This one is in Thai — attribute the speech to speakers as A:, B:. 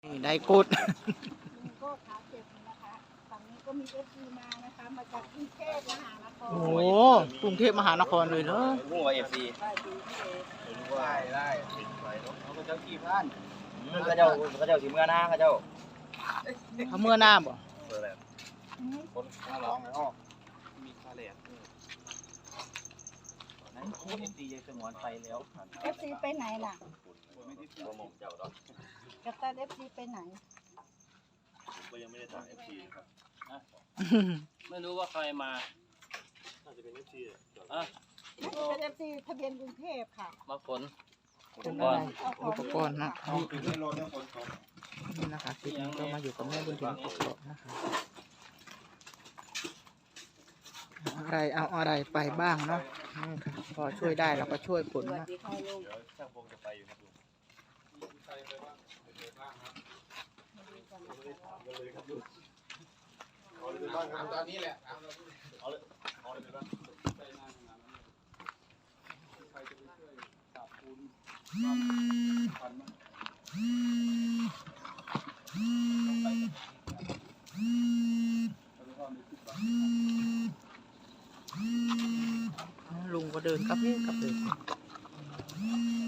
A: นี่ได้กุด
B: ลุงก็ขาเจ็บนะคะฝั่งนี้ก็มีFCมานะคะมาจากกรุงเทพมหานคร
A: โอ้โหกรุงเทพมหานครเลยเนอะ
C: งูว่าFC
B: ได้ดีพี่เอก
C: ได้เขาก็เจ้าที่บ้านเขาเจ้าสิเมื่อหน้าเขาเจ้า
A: เขาเมื่อหน้าบ่
C: เปิดแล้วคนมาร้องแล้วมีคาเลตตอนนั้นFC ยังสมวนไปแล้ว
B: FC ไปไหนน่ะ
C: ไม่ได้ตัวมงเจ้าดอก
B: กัปตัน FC ไปไหน
D: ก็ยังไม่ได้ถาม FC นะครับ
E: ไม่รู้ว่าใครมา
D: น่าจะเป็น FC
E: อ่ะ
B: น่าจะเป็น FC ทะเบียนกรุงเทพค่ะ
E: มาฝน
A: เป็นอะไรอุปกรณ์เนาะ
C: เอาปิดให้รถเนี่ยคนตก
A: นี่นะคะคลิปนี้ก็มาอยู่กับแม่บุญถึงกกอกนะคะอะไรเอาอะไรไปบ้างเนาะนี่ค่ะพอช่วยได้เราก็ช่วยผล
B: สวัส
A: นะ
B: ดีค่ะลุง
D: เดี๋ยวช่างพงจะไปอยู่ครับลุง
C: เอาเลยบ้างครับตอนนี้แหละ
D: เอาเลยไปบ้าง
A: ลุงก็เดินกลับเลย